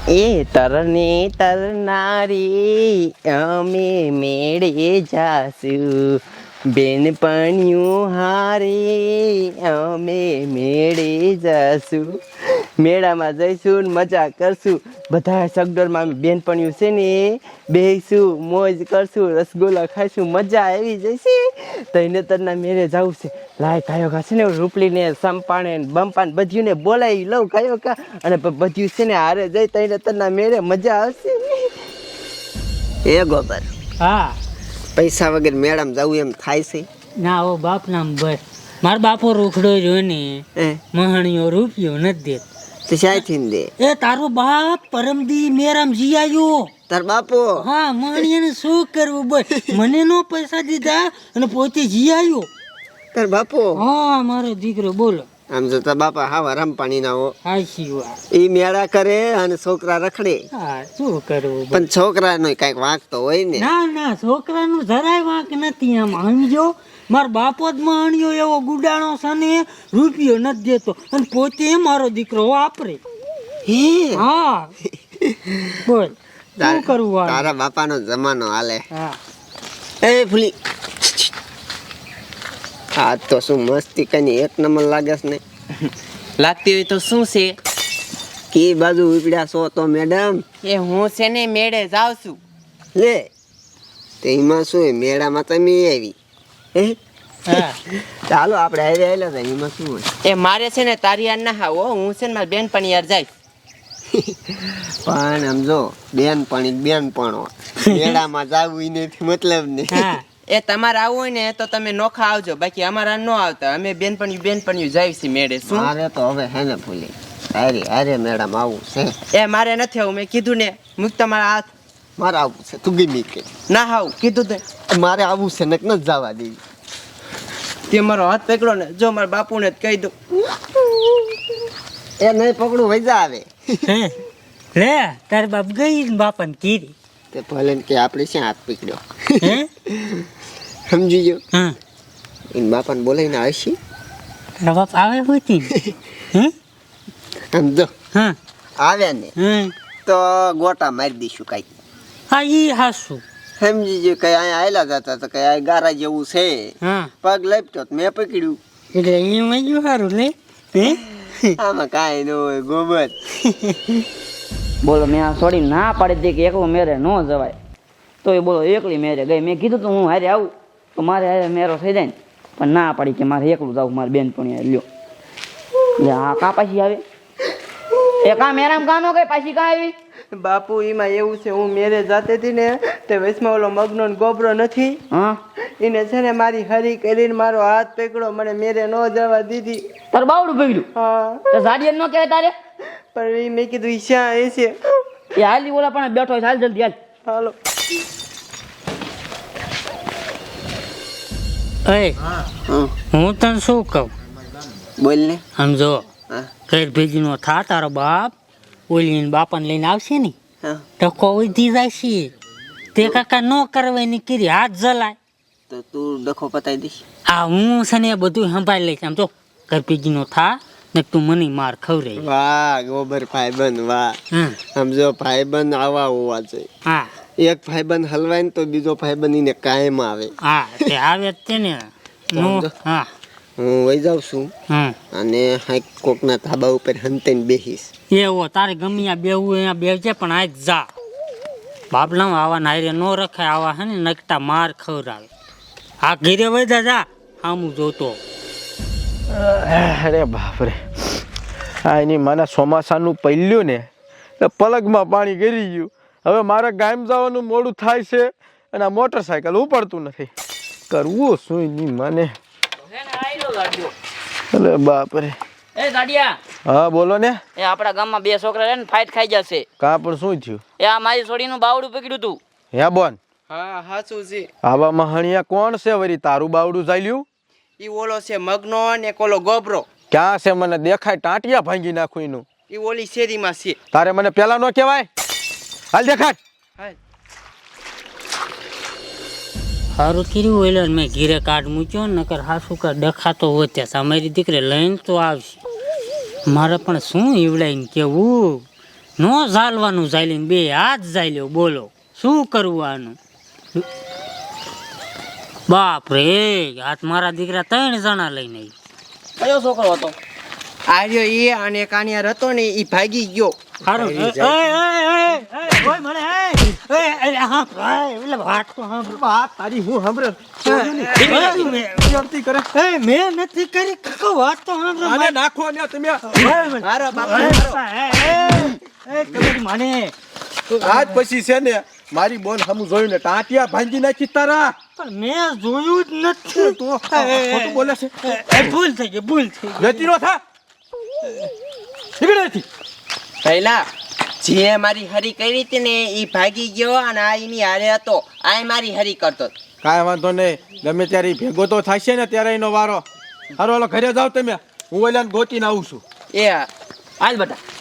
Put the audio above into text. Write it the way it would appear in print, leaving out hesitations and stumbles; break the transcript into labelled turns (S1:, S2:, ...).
S1: એ તરને તરનારી અમે મેળે જાશું, બેનપણિયું હારે અમે મેળે જાશું. મેળામાં જઈશું ને મજા કરશું. બધા સગડોળમાં બેનપણિયું છે ને બેસીશું, મોજ કરશું, રસગુલ્લા ખાઈશું, મજા આવી જશે. તઈને તરના મેળે જવું છે. લાય કાયો કા છે ને રૂપલીને સંપાણે બમ્પાને બધીને બોલાવી લઉં કાયો કા, અને બધ્યું છે ને હારે જઈ તઈને તરના મેળે મજા આવશે.
S2: એ ગોબર,
S3: હા
S2: પૈસા વગર મેળામાં જવું એમ થાય છે?
S3: ના ઓ બાપ નામ બસ મારો બાપો રૂખડો રહ્યો ને મહાણીઓ રૂપિયો નથી દેત.
S2: તો શાયથી દે.
S3: એ તારો બાપ પરમદી મેરામ જી આવ્યો.
S2: તાર બાપો?
S3: હા, મહાણીને શું કરવું બસ મને નો પૈસા દીધા અને પોતે જી આવ્યો.
S2: તાર બાપો?
S3: હા મારો દીકરો. બોલો.
S2: આમ જો તાર બાપા હાવા રમપાણી ના હો.
S3: હાચી વાત.
S2: એ મેળા કરે અને છોકરા રખડે.
S3: હા શું કરવું
S2: પણ છોકરાનો કઈક વાંક તો હોય ને.
S3: ના ના, છોકરાનું જરાય વાંક નથી. આમ સમજો, મારો બાપો જ મહાણિયો એવો ગુડાણો છે ને રૂપિયો નથી દેતો અને પોતે મારો દીકરો વાપરે.
S2: હે?
S3: હા બોલ શું કરવું?
S2: તારા બાપાનો જમાનો હાલે.
S3: હા
S2: એ ફૂલી, આ તો શું મસ્તી કઈ એક નંબર લાગે છે ને.
S1: લાગતી હોય તો શું છે?
S2: કી બાજુ ઉપડ્યા છો તો મેડમ?
S1: એ હું છે ને મેળે જાઉં છું.
S2: લે તે એમાં શું મેળામાં તમે આવી?
S3: હા
S2: ચાલો આપણે આવી આવેલા હતા, એમાં શું હોય?
S1: એ મારે છે ને તારી યાર ના હાવો, હું છે ને મારી બેનપણી યાર જાય.
S2: પણ સમજો બેનપણો મેળામાં જાવું નથી મતલબ ને.
S3: હા
S1: એ તમારે આવવું હોય ને તો તમે નોખા આવજો, બાકી અમારા ન આવતા. અમે બેનપણીયું જાય છે મેળે. શું
S2: મારે તો હવે હે ને ભૂલી અરે મેડમ આવું છે.
S1: એ મારે નથી આવું, મેં કીધું ને. મૂક તમારા હાથ.
S2: મારે આવું છે, તું ગમી કે
S1: ના હાવ કીધું તે.
S2: મારે આવું છે, નક નથી જવા દેવી.
S1: તે મારો હાથ પકડો ને, જો મારા બાપુને જ કહી દઉં.
S2: એ નહીં પકડું વૈજા આવે.
S3: લે તાર બાપ ગઈ ને બાપાને કીધી
S2: તે ભલે ને કે આપણે શ્યાં હાથ પકડ્યો.
S3: હે
S2: સમજી ગયો?
S3: હા
S2: એને બાપાને બોલાવીને આવશી.
S3: તારા બાપ આવે હોતી હે
S2: સમજો
S3: હા
S2: આવ્યા ને
S3: હા
S2: તો ગોટા મારી દઈશું કાંઈક.
S3: હા ઈ હાસું.
S2: સમજી ગયો? કઈ અહીંયા આવેલા જતા તો કઈ આ ગારા જેવું છે,
S3: હા
S2: પગ લપટ્યો તો મેં પકડ્યું.
S3: એટલે એમાં ગયું સારું લે. હે
S2: આમાં કાંઈ ન હોય ગોબર.
S4: બોલો, મેં આ છોડીને ના પાડી દઈ કે એકલું મેરે ન જવાય, તો એ બોલો એકલી મેરે ગઈ. મેં કીધું તો હું હારે આવું તો મારે હારે મેરો થઈ જાય ને, પણ ના પાડી કે મારે એકલું જવું, મારી બેનપણી લ્યો. એટલે હા કા પાછી આવે? એ કા મેરામ કા નો ગઈ પાછી કા આવી?
S1: બાપુ એમાં એવું છે, હું મેરે જાતી હતી ને તે વચમાં ઓલો મગનો ને ગોબરો નથી,
S4: હા
S1: એને છે ને મારી હરી કરીને મારો હાથ પકડો, મને મેરે ન જવા દીધી.
S4: તાર બાવડું પકડ્યું?
S1: હા
S4: તો ઝાડિયન નો કહેવાય તારે?
S1: પણ એ મેં કીધું ઈ શ્યાં એ છે.
S4: એ હાલી ઓલા પણ બેઠો હોય, હાલ જલ્દી હાલ.
S1: હાલો.
S3: એ હું તને શું કહું
S2: બોલ ને.
S3: સમજો,
S2: હા
S3: ઘર ભેગીનો થા. તારો બાપ ઓલી બાપાને લઈને આવશે ને
S2: હા
S3: ટકો વધી જાય છે. તે કાકા ન કરવાની કરી હાથ જલાય.
S2: તો તું ડખો પતાવી દઈશ.
S3: આ હું છે ને બધું સંભાળી લઈશ. આમ તો ઘર ભેગીનો થા ને તું મને માર ખવડાવી.
S2: વાહ ગોબર ભાઈબંધ વાહ.
S3: હા
S2: સમજો ભાઈબંધ આવા હોવા જોઈએ.
S3: હા
S2: એક ભાઈબંધ હલવાય ને તો બીજો ભાઈબંધ એને કાયમ આવે.
S3: હા તે આવે જ તે ને.
S2: સમજો.
S3: હા
S2: હું વહી જાઉં છું
S3: હા
S2: અને હાઈક કોકના ધાબા ઉપર હંતાઈને બેહીશ.
S3: એવો તારે ગમે ત્યાં બેહવું અહીંયા બેસજે, પણ આજ જા. બાપલા આવા નાયરે ન રખાય. આવા હે ને નકટા માર ખવડાવે. આ ઘીરે વધા જા આમું જોતો.
S5: અરે બાપરે, આ એની માના ચોમાસાનું પહેલ્યું ને એટલે પલગમાં પાણી ગરી ગયું. હવે મારે ગામ જવાનું મોડું થાય છે અને આ મોટરસાયકલ ઉપાડતું નથી. કરવું શું એની માને? અરે બાપરે.
S4: એ ઝાડિયા,
S5: હા બોલો ને.
S4: એ આપણા ગામમાં બે છોકરા રહે ને ફાઇટ ખાઈ જશે.
S5: કાં પણ શું થયું?
S4: એ આ મારી છોડીનું બાવડું પકડ્યું તું.
S5: હે બોન?
S1: હા હાચું છે.
S5: આવા મહાણિયા કોણ છે વળી? તારું બાવડું ચાલ્યું?
S1: ઈ ઓલો છે મગનો ને ઓલો ગોબરો.
S5: ક્યાં છે? મને દેખાય ટાંટિયા ભાંગી નાખું એનું.
S1: ઈ ઓલી શેરીમાં છે.
S5: તારે મને પેલા નો કહેવાય? હાલ દેખાડ.
S1: હાલ.
S3: સારું કર્યું એટલે મેં ઘીરે કાર્ડ મૂક્યો, નકર હાસુ કા ડખાતો હોત્યા. મારી દીકરી લઈને તો આવશે. મારે પણ શું ઈવડાઈને કેવું નો ઝાલવાનું ઝાલીને બે હાથ ઝાલ્યો બોલો શું કરવું આનું બાપ રે આજ મારા દીકરા 3 જણા લઈને આવી
S4: કયો છોકરો હતો?
S1: આર્યો એ અને કાનિયાર હતો ને એ ભાગી ગયો.
S3: હારું ઓય મને હા ભાઈ એટલે વાત તો સાંભળ
S5: વાત તારી હું સાંભળે કરે
S3: મેં નથી કરી કાકો વાત તો સાંભળ
S5: આને નાખો ને તમે
S1: મારો બાપા
S3: મને
S5: આજ પછી છે ને મારી બોન હમું જોયું ને ટાંટિયા ભાંગી નાખી તારા
S3: પણ મેં જોયું જ નથી
S5: તું ખોટું બોલે છે
S3: ભૂલ થઈ ગઈ
S5: જતી નો થા નીકળેથી
S1: પહેલા જે મારી હરી કરી હતી ને એ ભાગી ગયો અને આ એની હારે હતો આ મારી હરી કરતો હતો.
S5: કાંઈ વાંધો નહીં ગમે ત્યારે ઈ ભેગો તો થશે ને ત્યારે એનો વારો હારો હાલો ઘરે જાવ તમે હું ઓલાને ગોતીને આવું છું
S1: એ
S4: હાલ બેટા